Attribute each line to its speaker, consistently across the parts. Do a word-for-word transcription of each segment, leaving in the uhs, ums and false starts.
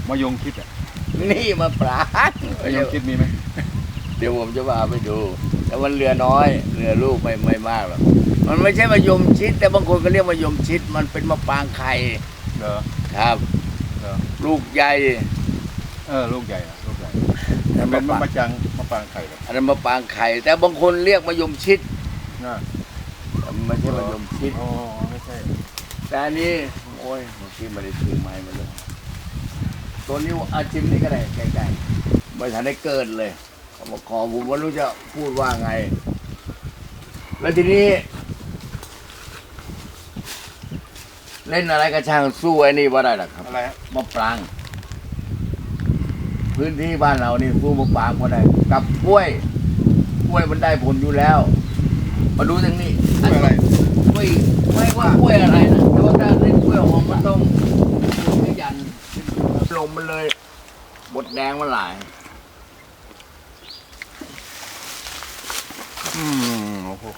Speaker 1: มะยงชิดอ่ะ
Speaker 2: นี่มะปราง
Speaker 1: มะยงชิดมีไหม
Speaker 2: เดี๋ยวผมจะพาไปดูแต่มันเรือน้อยเรือลูกไม่ไม่มากหรอกมันไม่ใช่มะยมชิดแต่บางคนก็เรียกมะยมชิดมันเป็นมะปรางไข่
Speaker 1: เหรอ
Speaker 2: ครับ
Speaker 1: เหรอ
Speaker 2: ลูกใหญ่
Speaker 1: เออลูกใหญ่อะลูกใหญ่เป็นมะปรางมะปรางไข่เหรอ
Speaker 2: อันนั้นมะปรางไข่แต่บางคนเรียกมะยมชิด
Speaker 1: นะ
Speaker 2: ไม่ใช่มะยมชิด
Speaker 1: อ๋อไม่ใช่
Speaker 2: แต่อันนี้โอ้ยเมื่อกี้ไม่ได้ถือไม้มาเลยตัวนี้อาชิมนี่ก็ได้ใกล้ๆไม่ทันได้เกิดเลยเขาบอกขอผมว่ารู้จะพูดว่าไงแล้วทีนี้เล่นอะไรกระช่างสู้ไอ้นี่ว่าได้หรอครับ
Speaker 1: อะไรฮะ
Speaker 2: มะปรางพื้นที่บ้านเรานี่สู้มะปรางว่าได้กับกล้วยกล้วยมันได้ผลอยู่แล้วมาดูทางนี้
Speaker 1: กล้วยอะไร
Speaker 2: กล้วยไม่ว่ากล้วยอะไรนะแต่ว่าถ้าเล่นกล้วยหอมมันต้องขยันลงมันเลยบดแดงมันหลาย
Speaker 1: อืมโอ้โห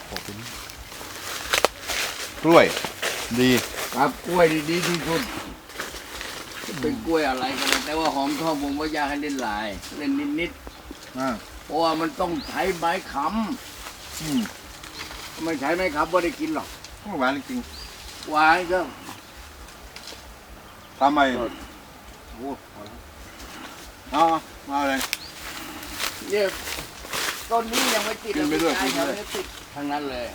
Speaker 1: กล้วยดี
Speaker 2: ครับกล้วยดีที่สุดเป็นกล้วยอะไรกันแต่ว่าหอมทองผมว่าอยากให้เล่นหลายเล่นนิดๆเพราะว่ามันต้องใช้ไม้ค้ำไม่ใช้ไม้ค้ำไม่ได้กินหรอก
Speaker 1: หวานจริง
Speaker 2: หวานก็
Speaker 1: ทำไมโอ้เอามาเลย
Speaker 2: เนี่ยต้นนี้ยังไม่ติดเลยไอ้แถวนี้ติดทั้งนั้นเลย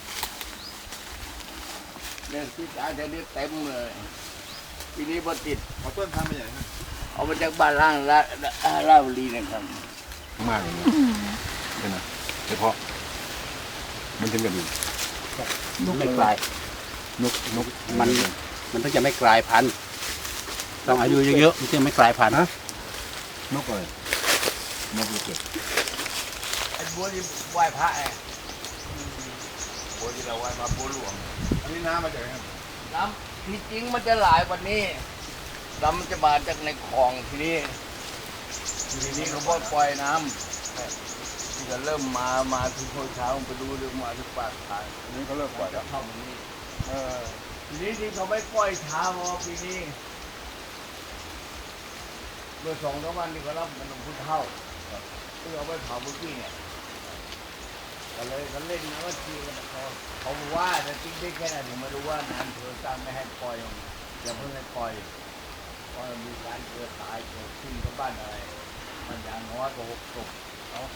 Speaker 2: เนี่ยติดไอ้แถวนี้เต็มเลยปีนี้พอติด
Speaker 1: เอาต้นทำมาใหญ่ฮะ
Speaker 2: เอามาจากบ้านล่างละลาบุรีนะครับ
Speaker 1: มากเลยเป็นไงเฉพาะมันถึงกับดี
Speaker 3: นกไม่กลาย
Speaker 1: นกนก
Speaker 3: มันมันต้องจะไม่กลายพันธุ์ต้องอายุเยอะๆมันจะไม่กลายพันธุ์นะ
Speaker 1: นกอะไรนกลูกเกด
Speaker 2: ไอ้บัวที่ไหว้พระไอ้บัวที่เราไหว้พระบัวหลวง
Speaker 1: อันนี้น้ำมาจากไหน
Speaker 2: น้ำที่จริงมันจะหลายวันนี้น้ำมันจะมาจากในคลองทีนี้ทีนี้เขาปล่อยน้ำที่จะเริ่มมามาถึงเช้าไปดูเรื่องมาที่ปากทาง
Speaker 1: อันนี้เขาเริ่มปล่อย
Speaker 2: จะเข้าตรงนี้
Speaker 1: เออ
Speaker 2: ทีนี้ที่เขาไม่ปล่อยเช้าเพราะปีนี้เมื่อสองสามวันที่เขารับมันลงพุทธเท่าเพื่อเอาไปเผาบุกี้เนี่ยก็เลยเขาเล่นนะว่าทีกันเขาเขาว่าแต่จริงได้แค่ไหนผมไม่รู้ว่านานเธอตามไม่ให้ปล่อยอย่าเพิ่งให้ปล่อยเพราะมีการเกิดตายเกิดขึ้นกับบ้านอะไรมันอย่างน้อยก็หกศพเนาะ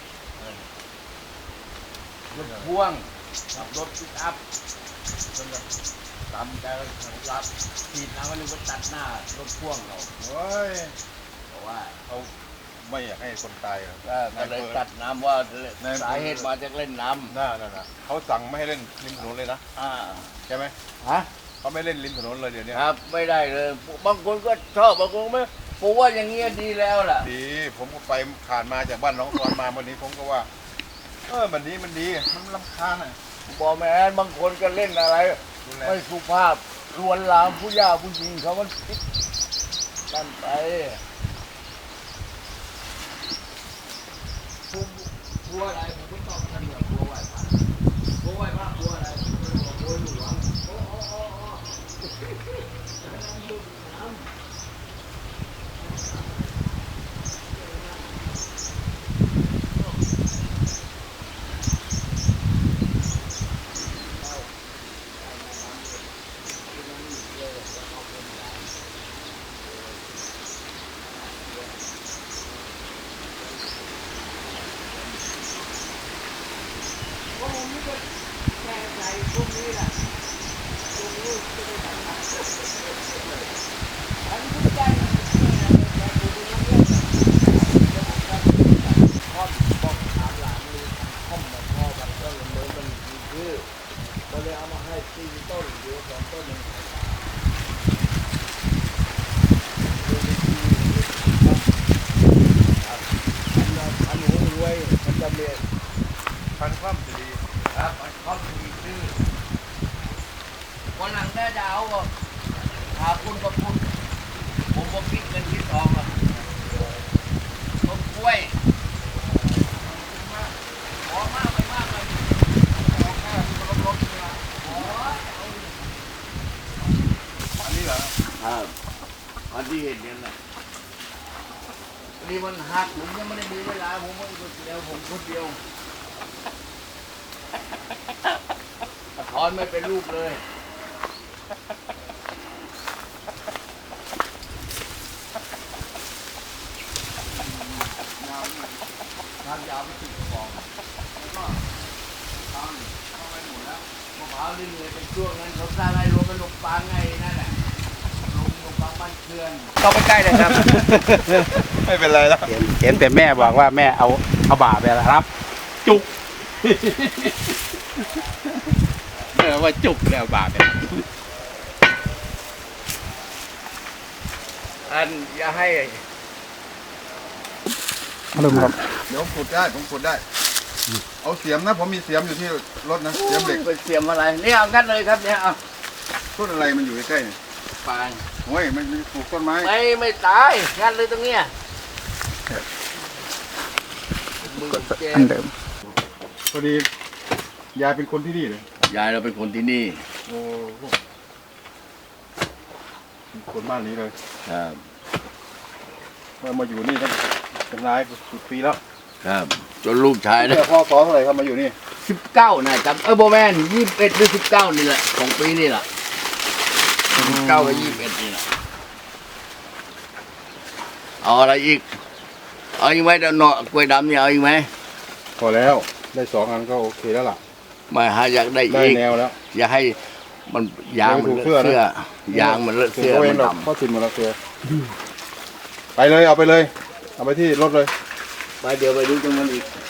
Speaker 2: รถพ่วงกับรถปิกอัพจนแบบตามใจรับขีดน้ำมันนึงก็ตัดหน้ารถพ่วงเรา
Speaker 1: โอ้ย
Speaker 2: เพราะว่า
Speaker 1: เขาไม่อยากให้คนตายครับ
Speaker 2: ก็เลยตัดน้ำว่าสาเหตุมาจากเล่นน้ำ
Speaker 1: น่าน่ะเขาสั่งไม่ให้เล่นริมถนนเลยนะ
Speaker 2: อ่า
Speaker 1: ใช่ไหม
Speaker 2: ฮะ
Speaker 1: เขาไม่เล่นริมถนนเลยเดี๋ยวนี้
Speaker 2: ครับไม่ได้เลยบางคนก็ชอบบางคนไม่ผมว่าอย่างเงี้ยดีแล้วล่ะ
Speaker 1: ดีผมก็ไปผ่านมาจากบ้านน้องกรมาวันนี้ผมก็ว่าเออวันนี้มันดีมันรำคาญอ่ะ
Speaker 2: บอกแม่บางคนก็เล่นอะไรไม่สุภาพลวนลามผู้ย่าผู้หญิงเขามันคิดกันไปบัวอะไรผมก็ต้องทำแบบบัวไหวพระบัวไหวพระบัวอะไรบัวหลวงโอ้โอ้โอ้โอ้แก้ใจพวกนี้แหละพวกนี้จะได้ทำงานอันนี้ทุกใจนะแต่ดูดูเรื่องข้อมบอกถามหลานเลยข้อมมาพ่อมันก็เลยมันมีชื่อก็เลยเอามาให้สี่ต้นหรือสองต้นหนึ่งพันหัวรวยมันจะเมีย
Speaker 1: พันคว่ำจะดี
Speaker 2: ครับเขามีชื่อวันหลังได้จะเอาหาคุณกับคุณผมบอกคิดเงินคิดทองหรอกต้นกล้วยขอมากไปมากเลยขอแค่ที่มันลดๆนะขอ
Speaker 1: อันนี้เหรอ
Speaker 2: ครับอันที่เห็นเนี่ยนะนี่มันหักผมยังไม่ได้มีเวลาผมไม่คนเดียวผมคนเดียวถอนไม่เป็นรูปเลยยาวทางยาวไม่ถึงกองแล้วก็ทางเข้าไปหมดแล้วมะพร้าวนี่เลยเป็นช่วงนั้นเขาสร้างให้รวมเป็นลงปางไงนั่นแหละลงลงปางบ้านเคือน
Speaker 4: เข้าไปใกล้เลยครับ
Speaker 1: ไม่เป็นไรแล้ว
Speaker 3: เห็นเห็นแต่แม่บอกว่าแม่เอาเอาบ่าไปรับ จุก เออว่าจุกแล้วบ่าไป
Speaker 2: อันอย่าให้
Speaker 3: อารมณ์ครับ
Speaker 1: เดี๋ยวขุดได้ผมขุดได้ เอาเสียมนะผมมีเสียมอยู่ที่รถนะเสียมเหล็ก
Speaker 2: เป็นเสียมอะไรเนี่ยเอางัดเลยครับเนี่ยเอา
Speaker 1: ต้นอะไรมันอยู่ใกล้ๆเนี่ย
Speaker 2: ปาง
Speaker 1: โอ้ยมันมันปลูกต้นไม้
Speaker 2: ไม่ไม่ตายงัดเลยตรงเนี้ยมือเจ็บ
Speaker 3: อันเดิม
Speaker 1: พอดียายเป็นคนที่นี่เลย
Speaker 2: ยายเราเป็นคนที่นี่
Speaker 1: โอ้โหคนบ้านนี้เลย
Speaker 2: ครับ
Speaker 1: เมื่อมาอยู่นี่ตั้งเป็นหลายสิบปีแล้ว
Speaker 2: ครับจนลูกชายนะ
Speaker 1: เนี่ยพ่อสอเท่าไหร่ครับมาอยู่นี่
Speaker 2: สิบเก้านะจำเออโบแมนยี่สิบเอ็ดหรือสิบเก้านี่แหละของปีนี่แหละสิบเก้ากับยี่สิบเอ็ดนี่แหละเอาอะไรอีกเอาอีกไหมเดี๋ยวเนาะกล้วยดำเนี่ยเอาอีกไหม
Speaker 1: พอแล้วได้สองอันก็โอเคแล้วล่ะ
Speaker 2: ไม่ฮะอยากได้
Speaker 1: ได้
Speaker 2: อีก
Speaker 1: แนวแล้ว
Speaker 2: อย่าให้มันยางมันเลอะ
Speaker 1: เสื้อนะ
Speaker 2: เสื้อยางมันเลอะ
Speaker 1: เสื
Speaker 2: เสื้
Speaker 1: อ
Speaker 2: อ
Speaker 1: เอ
Speaker 2: มั
Speaker 1: ง
Speaker 2: น
Speaker 1: หรอก
Speaker 2: ดำ
Speaker 1: พ่อสินหมดแล้วเสือไปเลยเอาไปเลย เอาไปที่รถเลย
Speaker 2: ไปเดี๋ยวไปดูตรงนั้นอีก